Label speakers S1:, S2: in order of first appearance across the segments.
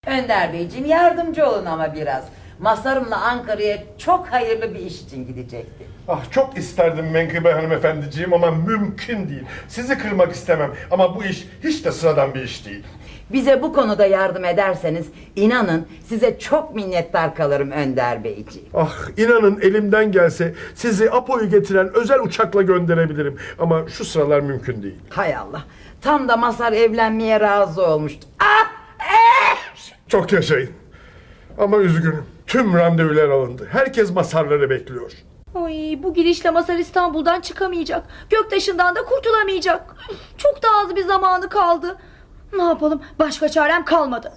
S1: Önder Beyciğim yardımcı olun ama biraz. Mazhar'ımla Ankara'ya çok hayırlı bir iş için gidecekti.
S2: Ah çok isterdim Menkıbe hanımefendiciğim ama mümkün değil. Sizi kırmak istemem ama bu iş hiç de sıradan bir iş değil.
S1: Bize bu konuda yardım ederseniz inanın size çok minnettar kalırım Önder Beyciğim.
S2: Ah inanın elimden gelse sizi Apo'yu getiren özel uçakla gönderebilirim. Ama şu sıralar mümkün değil.
S1: Hay Allah. Tam da Mazhar evlenmeye razı olmuştu.
S2: Çok yaşayın. Ama üzgünüm. Tüm randevular alındı. Herkes Mazhar'ları bekliyor.
S3: Ay, bu girişle Mazhar İstanbul'dan çıkamayacak. Göktaşı'ndan da kurtulamayacak. Çok da az bir zamanı kaldı. Ne yapalım? Başka çarem kalmadı.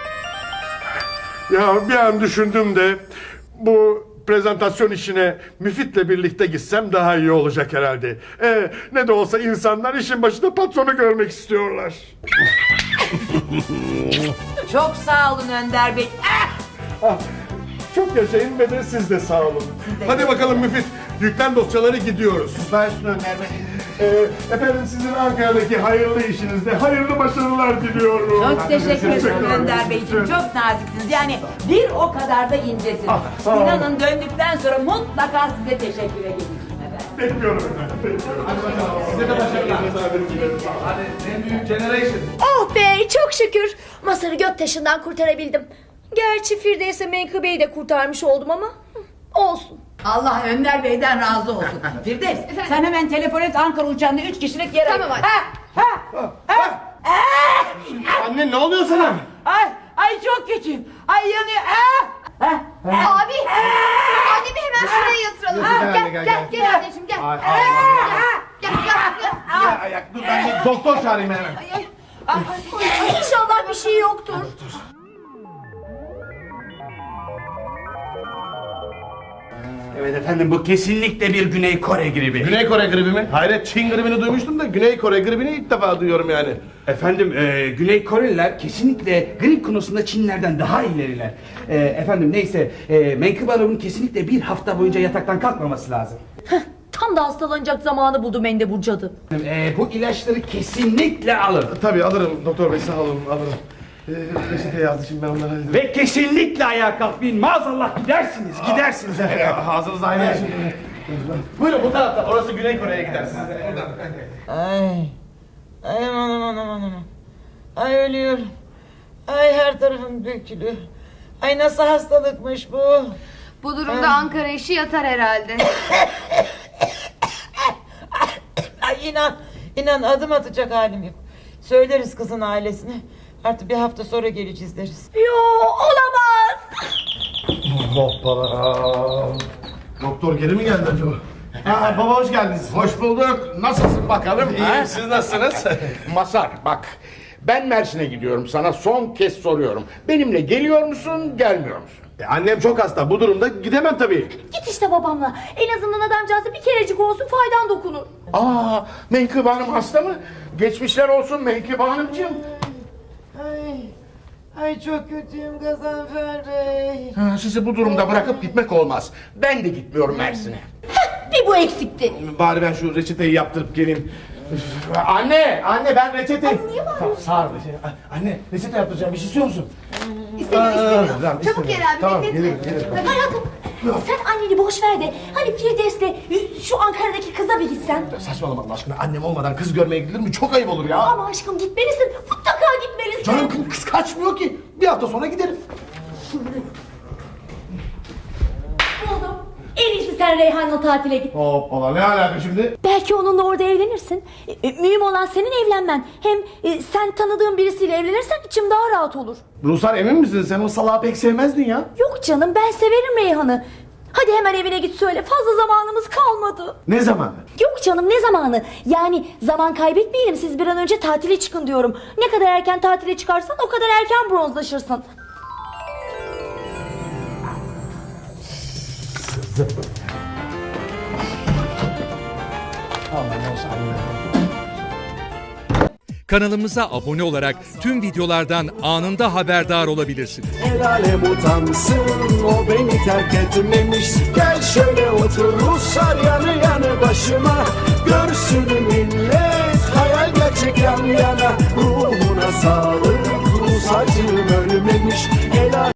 S2: Ya bir an düşündüm de bu prezentasyon işine Müfit'le birlikte gitsem daha iyi olacak herhalde. Ne de olsa insanlar işin başında patronu görmek istiyorlar.
S1: Çok sağ olun Önder Bey.
S2: Ah, çok yaşayın ve de siz de sağ olun. Hadi bakalım Müfit, yüklen dosyaları gidiyoruz.
S4: Başüstüne Önder Bey.
S2: Efendim sizin Ankara'daki hayırlı işinizde hayırlı başarılar diliyorum.
S1: Çok teşekkür ederim Önder Beyciğim. Çok naziksiniz. Yani bir o kadar da incesiniz.
S2: sağ olun.
S1: İnanın döndükten sonra mutlaka size teşekkür edeceğim efendim.
S2: Bekliyorum efendim, bekliyorum.
S4: Size de başarılar. Hadi en büyük generation.
S3: Oh be, çok şükür. Mazhar'ı Göktaşı'ndan kurtarabildim. Gerçi Firdevs'e Menkıbe'yi de kurtarmış oldum ama olsun.
S1: Allah Önder Bey'den razı olsun. Firdevs sen hemen telefon et, Ankara uçağında 3 kişilik yer
S3: Tamam, hadi.
S4: Anne ne oluyor sana?
S1: Ay çok kötüyüm. Ay yanıyor.
S3: Abi, annemi hemen şuraya yatıralım. Gel anneciğim gel. Gel.
S4: Ayak dur ben bir doktor çağırayım hemen.
S3: İnşallah bir şey yoktur.
S5: Evet efendim, bu kesinlikle bir Güney Kore gribi.
S4: Güney Kore gribi mi? Hayret, Çin gribini duymuştum da Güney Kore gribini ilk defa duyuyorum yani.
S5: Efendim Güney Koreliler kesinlikle grip konusunda Çinlerden daha ileriler. Efendim neyse, Menkıbe Hanım'ın kesinlikle bir hafta boyunca yataktan kalkmaması lazım.
S3: Tam da hastalanacak zamanı buldu mendebur cadı.
S5: Bu ilaçları kesinlikle alın.
S4: Tabii alırım doktor bey, sağ olun, alırım. Reçete yazdı şimdi ben onları halledeyim.
S5: Ve kesinlikle ayağa kalkmayın, maazallah gidersiniz.
S4: Ağzınız aynı yer. Buyurun bu taraftan, orası Güney Kore'ye gidersiniz.
S1: Ay aman. Ay ölüyorum. Ay her tarafım dökülüyor. Ay nasıl hastalıkmış bu?
S6: Bu durumda Ankara işi yatar herhalde.
S1: Ay inan adım atacak halim yok. Söyleriz kızın ailesine. Artık bir hafta sonra geleceğiz deriz.
S3: Yo, olamaz.
S4: Hoppala. Doktor geri mi geldi acaba? Baba hoş geldiniz.
S7: Hoş bulduk. Nasılsın bakalım?
S4: İyiyim, siz nasılsınız?
S7: Masar bak. Ben Mersin'e gidiyorum. Sana son kez soruyorum. Benimle geliyor musun, gelmiyor musun?
S4: Annem çok hasta, bu durumda gidemem tabii.
S3: Git işte babamla. En azından adamcağıza bir kerecik olsun faydan dokunur.
S7: Menkıbe Hanım hasta mı? Geçmişler olsun Menkıbe Hanımcığım.
S1: Ay çok kötüyüm Gazanfer Bey.
S7: Sizi bu durumda bırakıp gitmek olmaz. Ben de gitmiyorum Mersin'e.
S3: Bir bu eksikti.
S4: Bari ben şu reçeteyi yaptırıp geleyim. Anne ben reçete...
S3: niye bağırıyorsun?
S4: Sağ ol. Anne reçete yaptıracağım, bir şey istiyor musun?
S6: İstemiyorum.
S4: Tamam,
S6: Çabuk gel abi,
S4: tamam,
S6: bekletme.
S4: gelirim.
S3: Hayatım, sen anneni boş ver de hani Firdevs'le şu Ankara'daki kıza bir gitsen.
S4: Saçmalama Allah aşkına, annem olmadan kız görmeye gidilir mi? Çok ayıp olur ya.
S3: Ama aşkım gitmelisin. Mutlaka gitmelisin.
S4: Canım kız kaçmıyor ki. Bir hafta sonra giderim.
S3: Buldum. En iyisi sen Reyhan'la tatile git.
S4: Hoppala, ne alaka şimdi?
S3: Belki onunla orada evlenirsin. Mühim olan senin evlenmen. Hem sen tanıdığın birisiyle evlenirsen içim daha rahat olur.
S4: Ruhsar emin misin? Sen o salağı pek sevmezdin ya.
S3: Yok canım, ben severim Reyhan'ı. Hadi hemen evine git söyle. Fazla zamanımız kalmadı.
S4: Ne zamanı?
S3: Yok canım, ne zamanı? Yani zaman kaybetmeyelim, siz bir an önce tatile çıkın diyorum. Ne kadar erken tatile çıkarsan o kadar erken bronzlaşırsın.
S8: Kanalımıza abone olarak tüm videolardan anında haberdar olabilirsiniz.
S9: El alem utansın, o beni terk etmemiş. Gel şöyle otur Ruslar yanı yanı başıma. Görsün millet hayal gerçek yan yana. Ruhuna sağlık Rus acım ölmemiş.